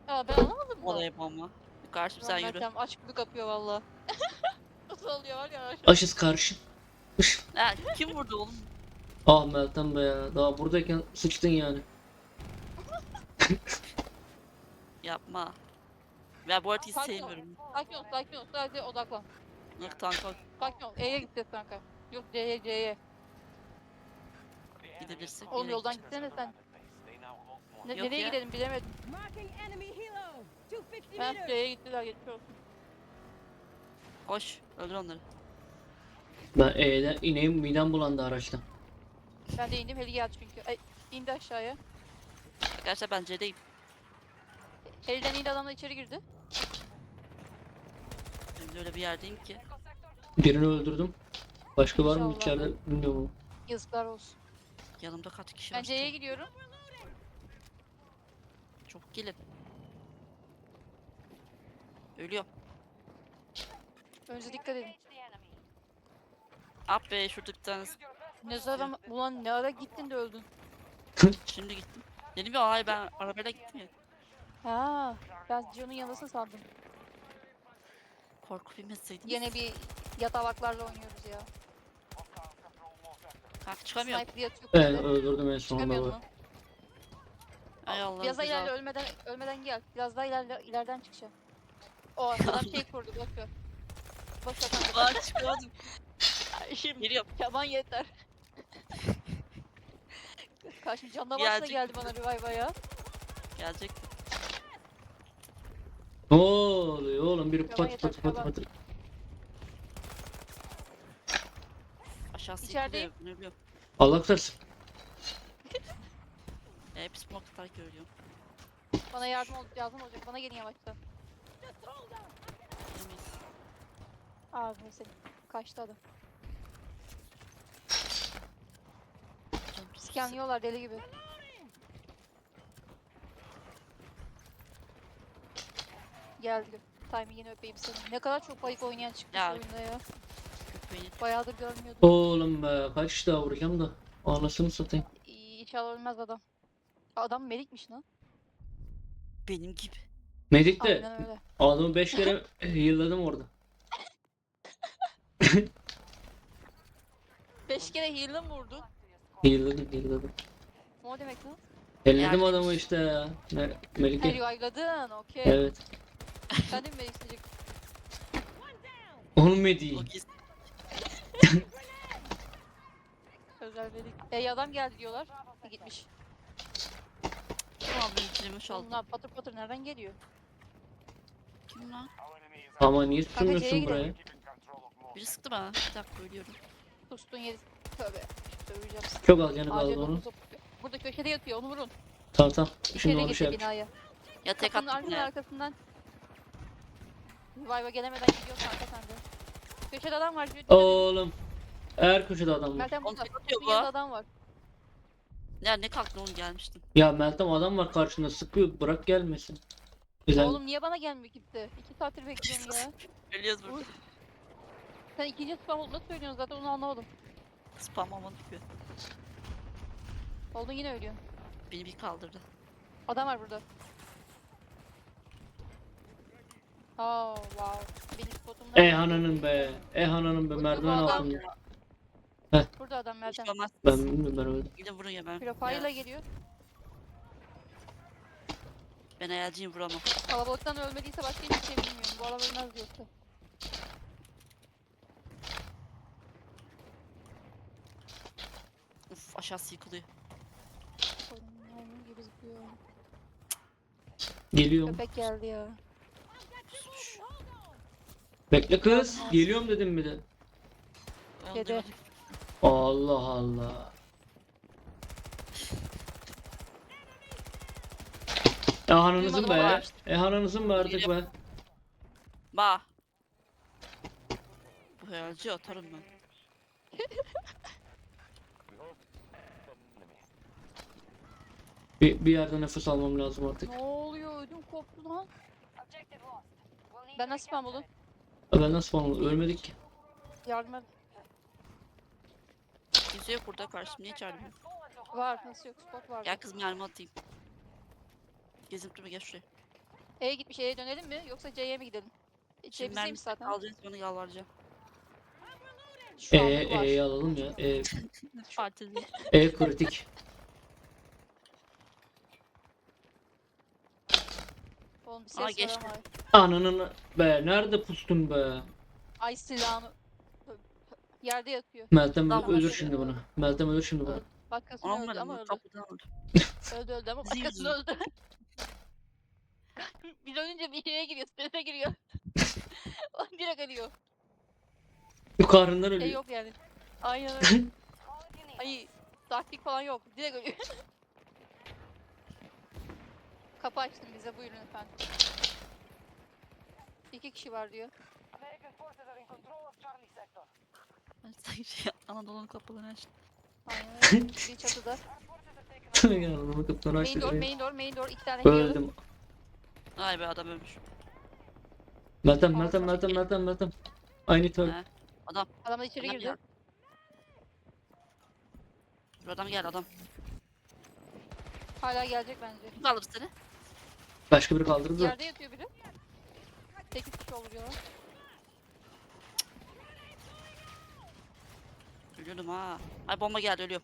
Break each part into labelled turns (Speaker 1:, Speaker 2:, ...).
Speaker 1: Ya ben anlamadım da.
Speaker 2: Olaya bomba. Karşım sen yürü.
Speaker 1: Meltem aç gibi kapıyor valla. Nasıl oluyor var ya aşağı.
Speaker 3: Aşız karşı.
Speaker 2: Ha, kim vurdu oğlum?
Speaker 3: Ah Meltem be ya. Daha buradayken sıçtın yani.
Speaker 2: Yapma. Ben bu haritayı
Speaker 1: Sakin ol.
Speaker 2: sevmiyorum.
Speaker 1: Sakin ol, sakin ol. Sadece odaklan.
Speaker 2: Yok tanka
Speaker 1: Sakin ol. E'ye gideceğiz kanka. Yok C'ye, C'ye.
Speaker 2: gidebilirsek.
Speaker 1: Oğlum
Speaker 2: yere
Speaker 1: yoldan
Speaker 2: gideceğiz.
Speaker 1: gitsene sen.
Speaker 2: Yok
Speaker 1: Nereye
Speaker 2: ya.
Speaker 1: gidelim bilemedim.
Speaker 4: Marking enemy helo. 250
Speaker 1: Ben
Speaker 4: meters.
Speaker 1: C'ye gittiler geçmiş olsun.
Speaker 2: Koş. Öldür onları.
Speaker 3: Ben E'den ineyim, midem bulandı araçtan.
Speaker 1: Ben de indim heli geldi çünkü. Ay, indi aşağıya.
Speaker 2: Arkadaşlar ben C'deyim.
Speaker 1: Heliden indi adamla içeri girdi.
Speaker 2: Ben de öyle bir yerdeyim ki.
Speaker 3: Birini öldürdüm. Başka var mı
Speaker 1: İnşallah.
Speaker 3: içeride bilmiyorum.
Speaker 1: Yazıklar olsun.
Speaker 2: Yanımda kaç kişi
Speaker 1: Ben
Speaker 2: var?
Speaker 1: C'ye
Speaker 2: Çok,
Speaker 1: gidiyorum.
Speaker 2: çok gelin. Ölüyor.
Speaker 1: Önce dikkat edin.
Speaker 2: Up be şurada bir tanesi.
Speaker 1: Ne zaman ulan ne ara gittin de öldün.
Speaker 2: Şimdi gittim. Dedim ya hayır ben arabayla gittim ya.
Speaker 1: Ha, ben John'un yanısını sandım.
Speaker 2: Korku bilmeseydiniz.
Speaker 1: Yine bir yatalaklarla oynuyoruz ya.
Speaker 2: Kanka çıkamıyorum.
Speaker 1: Sniper yatıyor.
Speaker 3: Evet
Speaker 1: kuzede.
Speaker 3: öldürdüm en sonunda
Speaker 1: Çıkamıyordun
Speaker 3: bak.
Speaker 1: mu?
Speaker 2: Ay Allah'ım
Speaker 1: Biraz daha
Speaker 2: güzel.
Speaker 1: ilerle ölmeden gel. Biraz daha ileriden çıkacağım. O adam şey kurdu boş ver. Boş ver kanka.
Speaker 2: Aa çıkamadım.
Speaker 1: Ay, Şimdi
Speaker 2: Geliyorum.
Speaker 1: Keman yeter. Karşım canla başla
Speaker 2: Gelecek.
Speaker 1: geldi bana revive'a ya.
Speaker 2: Gelecek.
Speaker 3: Ne oluyor oğlum? Biri
Speaker 1: Tamam,
Speaker 3: pat
Speaker 1: yeter,
Speaker 3: pat pat
Speaker 1: tamam.
Speaker 3: pat.
Speaker 2: Aşağısı
Speaker 1: İçerideyim.
Speaker 2: yıkılıyor. Ne biliyorum.
Speaker 3: Allah kurtarsın.
Speaker 2: Hep smoke atar görüyorum.
Speaker 1: Bana lazım olacak. Bana gelin yavaştan.
Speaker 2: Yemeyiz.
Speaker 1: Abi mesela kaçtı adam.
Speaker 2: Canım çok
Speaker 1: Scanlıyorlar deli gibi. Geldi. Timing'ini öpeyim seni. Ne kadar çok bayık oynayan çıkmış
Speaker 2: Ya.
Speaker 1: oyunda ya.
Speaker 2: köpeğini.
Speaker 1: Bayağıdır görmüyordum.
Speaker 3: Oğlum be kaç daha vuracağım da. Anasını satayım.
Speaker 1: İnşallah ölmez adam. Adam melikmiş lan.
Speaker 2: Benim gibi.
Speaker 3: Medik de
Speaker 1: Aynen öyle.
Speaker 3: adamı 5 kere yılladım orada.
Speaker 1: 5 kere heal'ı mı vurdu?
Speaker 3: Yılladım.
Speaker 1: O demek lan?
Speaker 3: Elledim
Speaker 2: Yani-
Speaker 3: adamı işte ya. Melike.
Speaker 1: Revive'ladın okey.
Speaker 3: Evet.
Speaker 1: Sen de mi melik isteyecek?
Speaker 3: Onun mediği.
Speaker 2: O gizli.
Speaker 1: Özel melik. Adam geldi diyorlar. Gitmiş.
Speaker 2: Tamam benim kilimi çaldı.
Speaker 1: Onlar patır patır nereden geliyor?
Speaker 2: Kim lan?
Speaker 3: Ama niye
Speaker 1: C'ye
Speaker 3: sürmüyorsun buraya?
Speaker 1: gidelim.
Speaker 2: Biri sıktı bana. Bir dakika ölüyorum.
Speaker 1: Tustun yeri. Tövbe. Döveceğim sizi.
Speaker 3: Çok az canı
Speaker 1: Acil
Speaker 3: kaldı onun.
Speaker 1: dokuz. Burada köşede yatıyor onu vurun.
Speaker 3: Tamam. Şimdi
Speaker 1: İçeri
Speaker 3: onu
Speaker 1: girdi
Speaker 3: şey yap.
Speaker 1: binaya.
Speaker 2: Ya tek
Speaker 1: Kapının
Speaker 2: attım
Speaker 1: arkasından
Speaker 2: ne?
Speaker 1: arkasından. Revive'a gelemeden gidiyor kanka sende. Köşede adam var.
Speaker 3: Oğlum. Her köşede adam var.
Speaker 1: Meltem
Speaker 2: Oğlum
Speaker 1: burada.
Speaker 2: tek atıyor
Speaker 1: Tustun yanında
Speaker 2: bu.
Speaker 1: adam var.
Speaker 2: Ya ne kalktın oğlum gelmiştin.
Speaker 3: Ya Meltem adam var karşında sıkıyor. Bırak gelmesin. Güzel.
Speaker 1: Oğlum niye bana gelmiyor kimse? 2 saattir bekliyorum ya.
Speaker 2: Ölüyoruz burada.
Speaker 1: Uy. Sen ikinci spam olduğunu söylüyorsun zaten onu anlamadım.
Speaker 2: Spam aman gibi.
Speaker 1: Oldun yine ölüyorsun.
Speaker 2: Beni bir kaldırdı.
Speaker 1: Adam var burada. Oh wow. Benim spotumdan.
Speaker 3: Ananın be. Ananın be. Merdiven
Speaker 1: adam.
Speaker 3: altında.
Speaker 1: Burada adam Meltem.
Speaker 2: Hiç olmaz.
Speaker 3: Ben bilmiyorum ben öyle.
Speaker 2: Gidin vurun ya ben.
Speaker 1: Profile'la
Speaker 2: Ya,
Speaker 1: geliyor.
Speaker 2: ben hayalciyim vuramam.
Speaker 1: Kalabalıktan ölmediyse başka hiçbir şey bilmiyorum. Bu adam ölmez yoksa.
Speaker 2: Uf aşağısı yıkılıyor.
Speaker 1: Maymun gibi zıplıyor.
Speaker 3: Geliyorum.
Speaker 1: Köpek geldi ya.
Speaker 2: Pusmuş.
Speaker 3: Bekle kız. Geliyorum dedim bir de.
Speaker 2: Ben
Speaker 1: Kedi.
Speaker 2: duymadım.
Speaker 3: Allah Allah. Ananızın
Speaker 1: Duymadım ama
Speaker 3: be. Ananızın be artık be.
Speaker 2: Ba. Bu hayalci atarım ben.
Speaker 3: Bir yerde nefes almam lazım artık.
Speaker 1: Ne oluyor? Ödüm koptu lan. Ben nasıl spam buldum?
Speaker 3: Ben nasıl falan ölmedik ki.
Speaker 1: Yardım et.
Speaker 2: Kimse yok burada karşım. Niye çağırmıyor?
Speaker 1: Var. Nasıl yok? Spot var.
Speaker 2: Gel kız mermi atayım. Gezip durma gel şuraya.
Speaker 1: E'ye gitmiş. E'ye dönelim mi? Yoksa C'ye mi gidelim? C
Speaker 2: Şimdi ben
Speaker 1: bizdeymiş zaten.
Speaker 2: alacağım sonra yalvaracağım.
Speaker 1: Şu an bu var.
Speaker 3: E'yi alalım ya.
Speaker 2: Partili.
Speaker 3: E kritik.
Speaker 1: Oğlum bir
Speaker 2: Aa,
Speaker 1: ses var
Speaker 2: geçti.
Speaker 1: ama.
Speaker 3: Ananın be. Nerede pustun be?
Speaker 1: Ay silahını. Yerde yatıyor.
Speaker 3: Meltem
Speaker 2: Tamam,
Speaker 3: ölür
Speaker 2: şöyle.
Speaker 3: şimdi bunu. Meltem ölür şimdi bunu.
Speaker 1: Öldü. Başkasını öldü ama öldü.
Speaker 2: Kapıdan öldü.
Speaker 1: Öldü ama
Speaker 2: Zil
Speaker 1: başkasını
Speaker 2: zil.
Speaker 1: öldü. Biz ölünce bir şeye giriyor. Strese giriyor. O direkt ölüyor.
Speaker 3: Karnından
Speaker 1: Şey
Speaker 3: ölüyor.
Speaker 1: yok yani. Aynen öyle. Ay taktik falan yok. Direkt ölüyor. Kapı açtım bize, buyurun efendim. 2 kişi var diyor.
Speaker 2: Anadolu'nun kapılarını açtı.
Speaker 1: Aynen öyle. Bir çatıda.
Speaker 3: Yanımı kaptan
Speaker 1: Main
Speaker 3: açtı.
Speaker 1: door, main door, main door. 2 tane healer.
Speaker 3: Öldüm.
Speaker 2: Ay be adam ölmüş.
Speaker 3: Meltem. I need help.
Speaker 2: He. Adam.
Speaker 1: Adamlar içeri
Speaker 2: Adam
Speaker 1: girdi.
Speaker 2: geldi. Bir adam geldi adam.
Speaker 1: Hala gelecek bence.
Speaker 2: Kim kaldırdı seni?
Speaker 3: Başka biri kaldırdı da.
Speaker 1: Yerde yatıyor biri. 8 kişi olur diyorlar.
Speaker 2: Ölüyorum ha. Ay bomba geldi ölüyorum.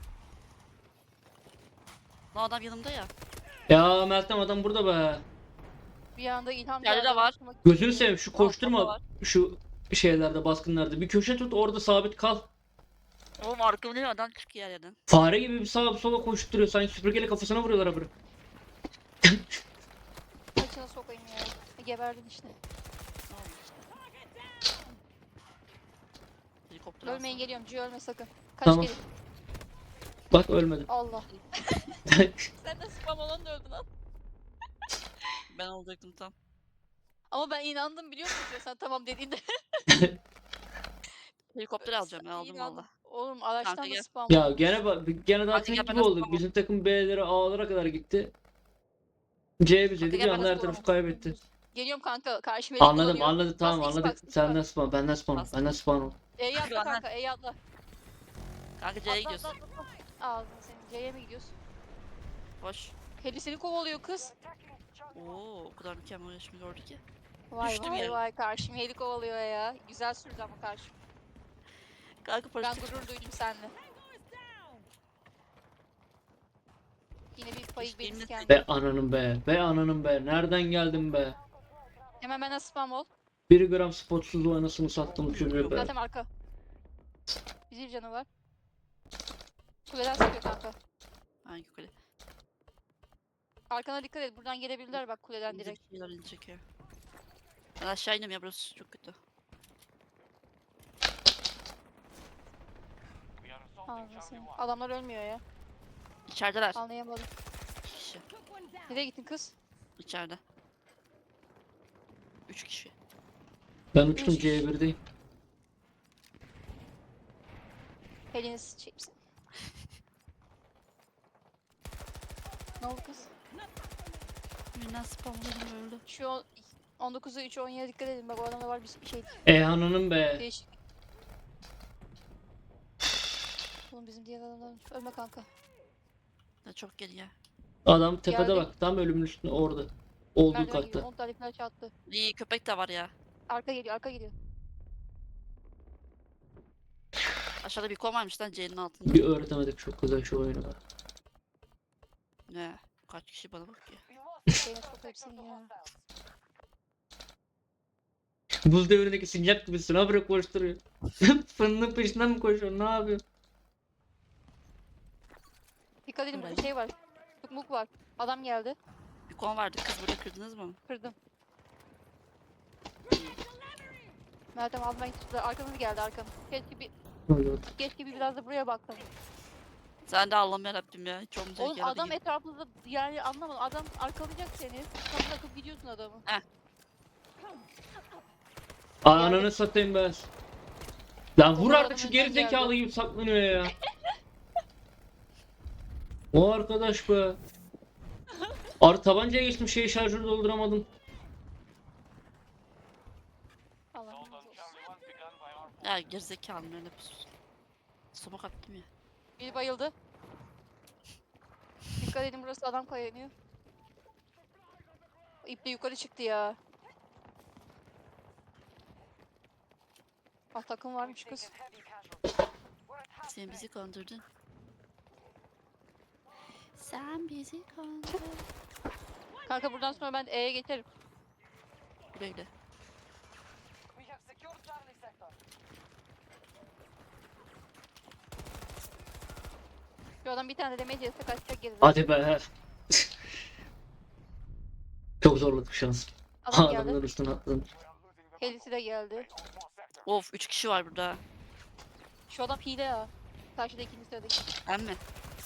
Speaker 2: Lan adam yanımda ya.
Speaker 3: Ya Meltem adam burada be.
Speaker 1: Bir anda ilham
Speaker 2: Yerde de
Speaker 1: geldi,
Speaker 2: var.
Speaker 1: aklıma-
Speaker 3: Gözünü seveyim şu
Speaker 2: Aa,
Speaker 3: koşturma
Speaker 2: var.
Speaker 3: şu şeylerde baskınlarda. Bir köşe tut orada sabit kal.
Speaker 2: Oğlum arkamda adam çıkıyor her yerden.
Speaker 3: Fare gibi bir sağa bir sola koşturuyor. Sanki süpürgeyle kafasına vuruyorlar haberi.
Speaker 1: Saçına sokayım ya. Geberdin işte.
Speaker 2: Ne oldu işte? Helikopter
Speaker 1: Ölmeyin,
Speaker 2: alsana.
Speaker 1: geliyorum. Cü ölme sakın. Kaç
Speaker 3: Tamam.
Speaker 1: gelin.
Speaker 3: Bak ölmedi.
Speaker 1: Allah. Sen de spam olan da öldün lan.
Speaker 2: Ben olacaktım tam.
Speaker 1: Ama ben inandım biliyor musun ya sen tamam dediğinde.
Speaker 2: Helikopter alacağım ben aldım
Speaker 1: İnandım.
Speaker 2: valla.
Speaker 1: Oğlum araçtan
Speaker 2: Kanka
Speaker 1: da
Speaker 2: gel.
Speaker 1: spam.
Speaker 3: Ya
Speaker 1: olmuş.
Speaker 3: gene daha
Speaker 2: Hadi
Speaker 3: tek
Speaker 2: gel,
Speaker 3: gibi
Speaker 2: ben de
Speaker 3: olduk.
Speaker 2: spam
Speaker 3: Bizim takım B'lere A'lara kadar gitti. C bizeydi
Speaker 2: Kanka
Speaker 3: bir
Speaker 2: gel, ben de
Speaker 3: anda her
Speaker 2: spam
Speaker 3: tarafı kaybetti.
Speaker 1: Geliyorum kanka. Karşıma elik
Speaker 3: Anladım
Speaker 1: kullanıyor.
Speaker 3: anladım tamam
Speaker 1: Bas, X
Speaker 3: anladık.
Speaker 1: bas, X
Speaker 3: Senden
Speaker 1: bas.
Speaker 3: spawn benden spawn
Speaker 2: Bas.
Speaker 3: benden spawn ol.
Speaker 1: E'yi atla
Speaker 2: Bana.
Speaker 1: kanka. E'yi atla.
Speaker 2: Kanka C'ye gidiyoruz.
Speaker 1: Atla. Ağzını senin. C'ye mi gidiyorsun?
Speaker 2: Hoş.
Speaker 1: Heli seni kovalıyor kız.
Speaker 2: Oo, o kadar mükemmel yaşımı gördü ki.
Speaker 1: Vay
Speaker 2: Düştüm
Speaker 1: vay
Speaker 2: yere.
Speaker 1: vay karşım heli kovalıyor ya. Güzel sürdü ama karşım.
Speaker 2: Kanka
Speaker 1: Ben
Speaker 2: paraşüt.
Speaker 1: gurur duydum seninle. Yine bir payı
Speaker 2: Hiç
Speaker 1: benim
Speaker 2: bilmedim.
Speaker 1: kendi.
Speaker 3: Be ananın be. Be ananın be. Nereden geldin be?
Speaker 1: Hemen bana spam ol.
Speaker 3: 1 gram spotsuz anasını sattım çocuğu be.
Speaker 1: Zaten arka. Bizim canı var. Kuleden sıkıyor kanka.
Speaker 2: Hangi kule?
Speaker 1: Arkana dikkat et. Buradan gelebilirler bak kuleden direkt.
Speaker 2: Bizimkiler inecek ya. Ben aşağı iniyorum ya burası çok kötü.
Speaker 1: Ağzına senin. Adamlar ölmüyor ya.
Speaker 2: İçerideler.
Speaker 1: Anlayamadım.
Speaker 2: İki kişi.
Speaker 1: Nereye gittin kız?
Speaker 2: İçeride. 3 kişi.
Speaker 3: Ben uçtum
Speaker 1: Üç.
Speaker 3: C1'deyim.
Speaker 1: Elini sıçayım sen. Ne oldu kız?
Speaker 2: Birinden spam oluyorum öldü.
Speaker 1: Şu 19'a 3 17'ye dikkat edin. Bak o adamda var bir şey.
Speaker 3: E ananın be.
Speaker 1: Değişik. Oğlum bizim diğer adamlar ölme kanka.
Speaker 2: Da çok geri ya.
Speaker 3: Adam tepede
Speaker 1: Geldi.
Speaker 3: bak. Tam ölümün üstünde orada. Olduğu
Speaker 1: Merdiven gibi
Speaker 3: katta.
Speaker 1: 10 tane flash attı.
Speaker 2: İyi köpek de var ya.
Speaker 1: Arka geliyor, arka geliyor.
Speaker 2: Aşağıda bir kon varmış lan C'nin altında.
Speaker 3: Bir öğretemedik çok güzel şu oyunu be.
Speaker 2: Ne? Kaç kişi bana bakıyor.
Speaker 1: Şeyine çok hepsini ya.
Speaker 3: Buz devrindeki sincap gibisin. Habire koşturuyor. Fırının peşinden mi koşuyor? Ne yapıyor?
Speaker 1: Dikkat edin burada
Speaker 2: Burayı.
Speaker 1: şey var. Tukmuk var. Adam geldi.
Speaker 2: Bir kon vardı kız burada kırdınız mı?
Speaker 1: Kırdım. Meltem almaya gitti. Arkamız geldi arkam. Keşke bir biraz da buraya baktım.
Speaker 2: Sen de Allah'ım yarabbim ya. Hiç olmayacak
Speaker 1: Oğlum
Speaker 2: yerde
Speaker 1: adam
Speaker 2: gibi.
Speaker 1: etrafında yani anlamadım. Adam arkalayacak seni. Kapı takıp gidiyorsun adamı.
Speaker 3: Ananı satayım ben. Lan vur
Speaker 1: Onlar
Speaker 3: artık şu
Speaker 1: adamın
Speaker 3: geri
Speaker 1: önden
Speaker 3: zekalı
Speaker 1: geldi.
Speaker 3: gibi saklanıyor ya. O arkadaş be. Tabancaya geçtim şeyi şarjörü dolduramadım.
Speaker 1: Allah razı olsun.
Speaker 2: Ya gerizekalım öyle bir Somak attım ya.
Speaker 1: Biri bayıldı. Dikkat edin burası adam kayanıyor. İple yukarı çıktı ya. Ah takım varmış kız.
Speaker 2: Sen bizi kandırdın. Sen bizi kandırdın.
Speaker 1: Kanka buradan sonra ben E'ye geçerim.
Speaker 2: Böyle.
Speaker 1: Şu adam bir tane de damage yese kaçacak geride.
Speaker 3: Hadi be. Çok zorladık şans.
Speaker 1: Adam
Speaker 3: Adamların
Speaker 1: geldi.
Speaker 3: üstüne atladım.
Speaker 1: Helisi de geldi.
Speaker 2: Of 3 kişi var burada.
Speaker 1: Şu adam hile ya. Karşıda ikinci sıradaki.
Speaker 2: Ben mi?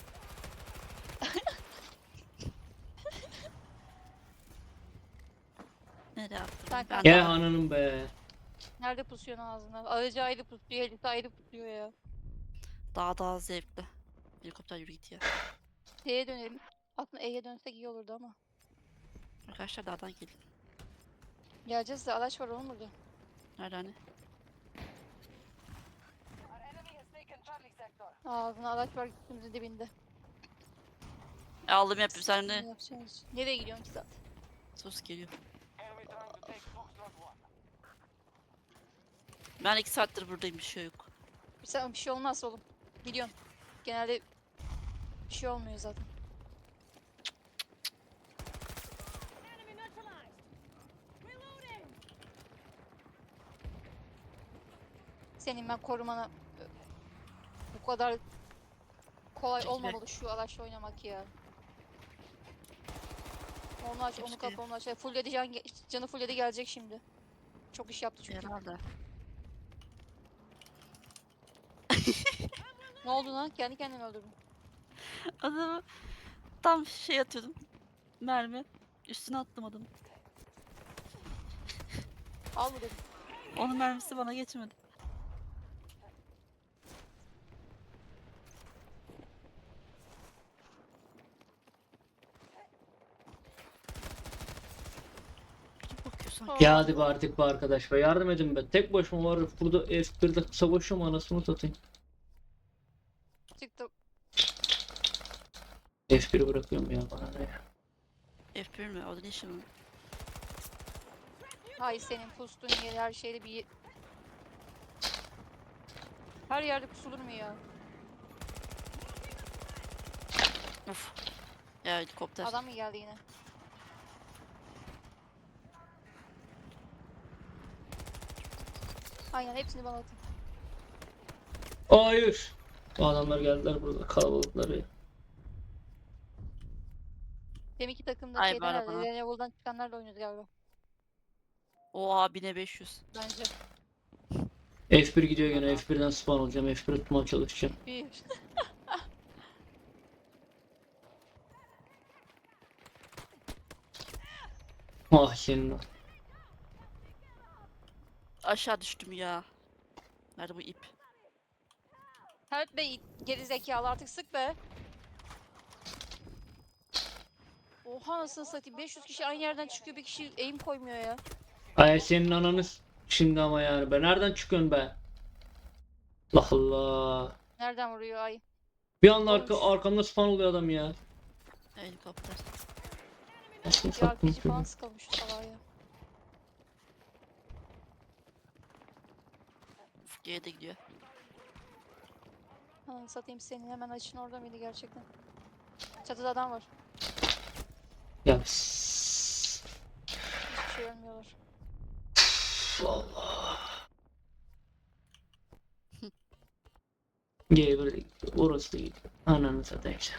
Speaker 2: Nereye attın?
Speaker 1: Sen
Speaker 2: Ben
Speaker 3: Ya
Speaker 2: de
Speaker 3: ananın be.
Speaker 1: Nerede pusuyorsun ağzına? Aracı ayrı pusuyor, helisi ayrı pusuyor ya.
Speaker 2: daha zevkli. Helikopter yürü git ya.
Speaker 1: T'ye dönelim. Aslında E'ye dönsek iyi olurdu ama.
Speaker 2: Arkadaşlar dağdan gelin.
Speaker 1: Geleceğiz de araç var oğlum burada.
Speaker 2: Nerede hani?
Speaker 1: Ağzına araç var üstümüzün dibinde.
Speaker 2: Aldım yapayım sen
Speaker 1: Ne
Speaker 2: de.
Speaker 1: yapacağız? Nereye gidiyorsun ki zaten?
Speaker 2: Sus geliyor. Ben 2 saattir buradayım bir şey yok.
Speaker 1: Bir şey olmaz oğlum. Biliyorsun. Genelde bir şey olmuyor zaten.
Speaker 4: Enemy neutralized. Reloading.
Speaker 1: Senin ben korumana bu kadar kolay
Speaker 2: Çekil be.
Speaker 1: olmamalı şu araçla oynamak ya. Onu aç, onu
Speaker 2: Keşke.
Speaker 1: kapa, onu aç. Fulledi canı fulledi gelecek şimdi. Çok iş yaptı çünkü.
Speaker 2: Herhalde.
Speaker 1: Ne oldu lan? Kendi kendini öldürdün.
Speaker 2: Adamı tam şey atıyordum. Mermi. Üstüne attım adamı.
Speaker 1: Al bu dedim.
Speaker 2: Onun mermisi bana geçmedi. Kim bakıyor sanki?
Speaker 3: Ya hadi be artık be arkadaş be. Yardım edin be. Tek başıma var burada F1'de savaşıyorum anasını satayım.
Speaker 1: Çıktı.
Speaker 3: F1'i bırakıyorum ya bana ne ya.
Speaker 2: F1 mi? O da ne işi mi?
Speaker 1: Hay senin pustuğun yer her şeyde bir... Her yerde pusulur mu ya?
Speaker 2: Uf. Ya helikopter.
Speaker 1: Adam mı geldi yine? Aynen hepsini bana atın.
Speaker 3: Hayır. O adamlar geldiler burada kalabalıkları.
Speaker 1: Deminki takımda
Speaker 2: Ay,
Speaker 1: şeyden
Speaker 2: bana,
Speaker 1: herhalde.
Speaker 2: bana.
Speaker 1: Level'dan çıkanlarla oynuyordu galiba.
Speaker 2: Oha 1500.
Speaker 1: Bence.
Speaker 3: F1 gidiyor gene F1'den spawn olacağım. F1 tutmaya çalışacağım.
Speaker 1: Bir.
Speaker 3: Ah senin o.
Speaker 2: Aşağı düştüm ya. Nerede bu ip?
Speaker 1: Help be geri zekalı artık sık be. Oha nasıl satayım 500 kişi aynı yerden çıkıyor bir kişi aim koymuyor ya.
Speaker 3: Ay senin ananı şimdi ama yani be. Nereden çıkıyorsun be? Allah Allah.
Speaker 1: Nereden vuruyor ay?
Speaker 3: Bir anda
Speaker 1: Olmuş.
Speaker 3: arkamda spawn oluyor adam ya.
Speaker 2: Helikopter.
Speaker 3: Nasıl
Speaker 1: Bir
Speaker 3: sattım
Speaker 1: RPG falan sıkılmış şu salağa ya.
Speaker 2: Uf G'ye de gidiyor.
Speaker 1: Ananı satayım senin hemen açın orada mıydı gerçekten? Çatıda adam var.
Speaker 3: Ya
Speaker 1: Hiçbir şey ölmüyorlar.
Speaker 3: Allah. Gel orası değil. Ananı satayım sen.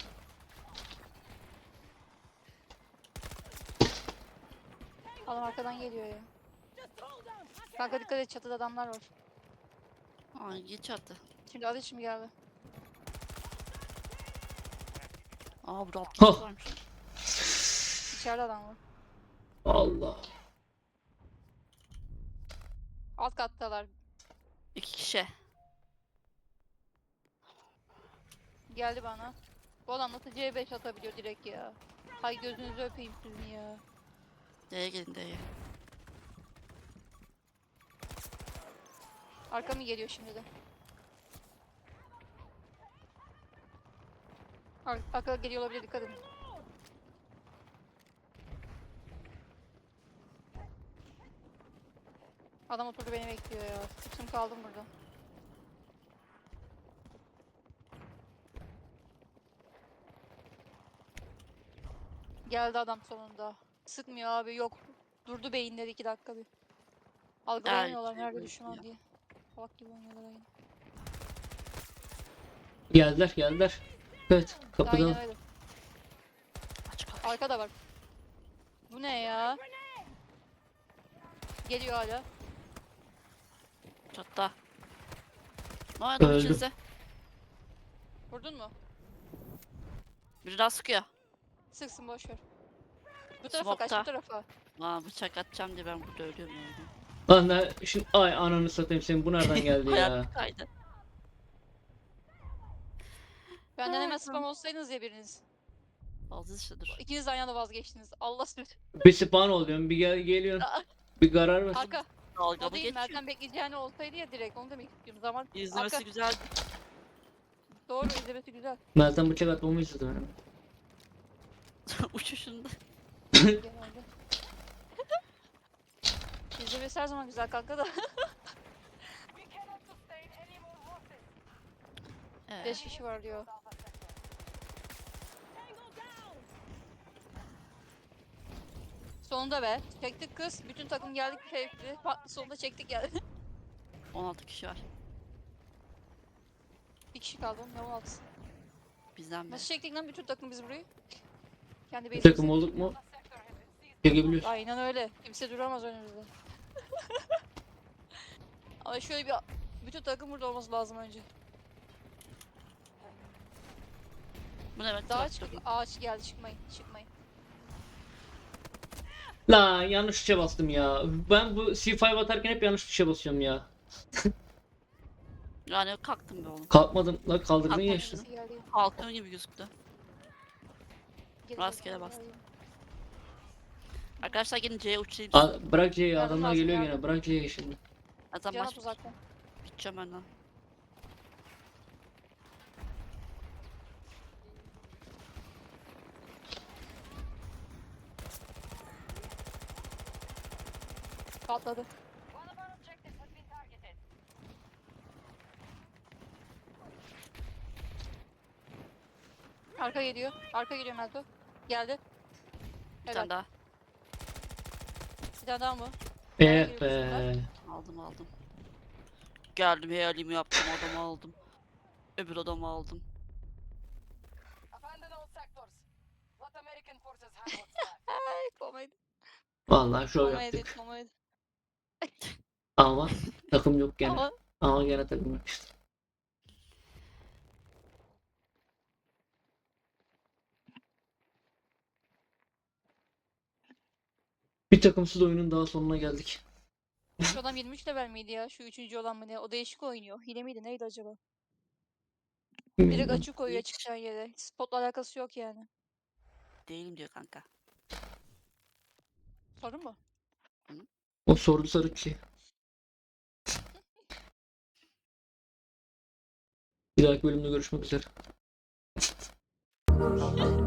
Speaker 1: Adam arkadan geliyor ya. Kanka dikkat et çatıda adamlar var.
Speaker 2: Aa geç attı.
Speaker 1: Şimdi adı şimdi geldi.
Speaker 2: Aa burada 6
Speaker 3: Hah.
Speaker 2: kişi varmış.
Speaker 1: İçeride adam var.
Speaker 3: Allah.
Speaker 1: Alt kattalar.
Speaker 2: 2 kişi.
Speaker 1: Geldi bana. Bu adam nasıl C5 atabiliyor direkt ya. Hay gözünüzü öpeyim sizin ya.
Speaker 2: D'ye gelin D'ye.
Speaker 1: Arka mı geliyor şimdi de? Arka geliyor olabilir dikkat edin. Adam oturdu beni bekliyor ya. Sıktım kaldım burada. Geldi adam sonunda. Sıkmıyor abi yok. Durdu beyinleri 2 dakika bir. Algılayamıyorlar nerede
Speaker 2: evet,
Speaker 1: düşman
Speaker 2: ya.
Speaker 1: diye. Salak gibi oynuyorlar aynı.
Speaker 3: Geldiler. Evet kapıdan.
Speaker 1: Aynen öyle.
Speaker 2: Aç kapıyı.
Speaker 1: Arkada var. Bu ne ya? Geliyor hala.
Speaker 2: Çatta. Ne oldu
Speaker 3: Öldüm.
Speaker 2: içinize?
Speaker 1: Vurdun mu?
Speaker 2: Biri daha sıkıyor.
Speaker 1: Sıksın boşver. Bu tarafa kaç,
Speaker 2: Smoke'ta.
Speaker 1: bu tarafa.
Speaker 2: Aa, bıçak atacağım diye ben burada ölüyorum yani.
Speaker 3: Lan şimdi ay ananı satayım senin bu nereden geldi ya?
Speaker 2: Hayat kaydı.
Speaker 1: Benden hemen spam olsaydınız ya biriniz.
Speaker 2: Fazla işte dur.
Speaker 1: İkiniz de aynı anda vazgeçtiniz. Allah süt.
Speaker 3: Bir spawn oluyorum bir geliyorsun. Bir karar ver.
Speaker 1: Arka.
Speaker 2: Dalga
Speaker 1: O
Speaker 2: mı
Speaker 1: değil
Speaker 2: geçiyor?
Speaker 1: Meltem bekleyeceğini olsaydı ya direkt onu demek istiyorum. Zaman
Speaker 2: İzlemesi
Speaker 1: arka.
Speaker 2: güzel.
Speaker 1: Doğru izlemesi güzel.
Speaker 3: Meltem bıçak atmamı istedi benim.
Speaker 2: Uçuşunda.
Speaker 1: Genelde. İzlemesi her zaman güzel kanka da.
Speaker 4: We cannot sustain any more losses.
Speaker 1: 5 kişi var diyor.
Speaker 4: Tango down.
Speaker 1: Sonunda be. Çektik kız. Bütün takım geldik keyifli. Sonunda çektik geldi.
Speaker 2: 16 kişi var.
Speaker 1: Bir kişi kaldı. Ne 16'sı.
Speaker 2: Bizden biri.
Speaker 1: Nasıl çektik lan bütün takım biz burayı? Kendi
Speaker 3: Bir
Speaker 1: base'imize.
Speaker 3: takım olduk mu?
Speaker 4: The sector has been seized.
Speaker 3: Çekebiliyoruz.
Speaker 1: Aynen öyle. Kimse duramaz önümüzde. Ama şöyle bir bütün takım burada olması lazım önce.
Speaker 2: Bu ne demek?
Speaker 1: Daha
Speaker 2: Traktör.
Speaker 1: çıkıp ağaç geldi çıkmayın. Çıkmayın.
Speaker 3: La yanlış tuşa bastım ya. Ben bu C5 atarken hep yanlış tuşa basıyorum ya.
Speaker 2: Yani kalktım be oğlum.
Speaker 3: Kalkmadım. La kaldırdın
Speaker 2: Kalkmadım.
Speaker 3: ya işte.
Speaker 1: Birisi geldi.
Speaker 2: Kalktığım gibi gözüktü.
Speaker 1: Geri
Speaker 2: Rastgele
Speaker 1: zekalı
Speaker 2: bastım.
Speaker 1: geldi.
Speaker 2: Arkadaşlar gelin C'ye uçayım.
Speaker 3: Bırak C'yi
Speaker 1: Yardım
Speaker 3: adamlar
Speaker 1: lazım,
Speaker 3: geliyor
Speaker 1: yardım.
Speaker 3: gene. Bırak C'yi şimdi.
Speaker 2: Zaten
Speaker 1: Can
Speaker 2: maç
Speaker 1: at uzaktan.
Speaker 2: biteceğim ben lan.
Speaker 1: Patladı.
Speaker 4: One of our objectives has been targeted.
Speaker 1: Arka geliyor. Arka geliyor Melto. Geldi.
Speaker 2: Bir
Speaker 1: Helal.
Speaker 2: tane daha.
Speaker 1: Bir tane daha mı?
Speaker 3: Eh be.
Speaker 2: Aldım. Geldim hayalimi yaptım adamı aldım. Öbür adamı aldım.
Speaker 4: Abandon all sectors. Let American forces have what's left.
Speaker 1: Ay komedi.
Speaker 3: Vallahi şov
Speaker 1: Komedi.
Speaker 3: yaptık.
Speaker 1: Komedi.
Speaker 3: Ama takım yok gene.
Speaker 1: Ama
Speaker 3: Ama gene takım yok işte. Bir takımsız oyunun daha sonuna geldik.
Speaker 1: şu adam 23 level miydi ya? Şu üçüncü olan mı ne? O değişik oynuyor. Hile miydi? Neydi acaba? Direkt
Speaker 3: Bilmiyorum.
Speaker 1: açık koyuyor
Speaker 2: Hiç.
Speaker 1: çıkacağın yere. Spotla alakası yok yani.
Speaker 2: Değilim diyor kanka.
Speaker 1: Sorun mu?
Speaker 3: O sordu Sarıçı. Bir dahaki bölümde görüşmek üzere.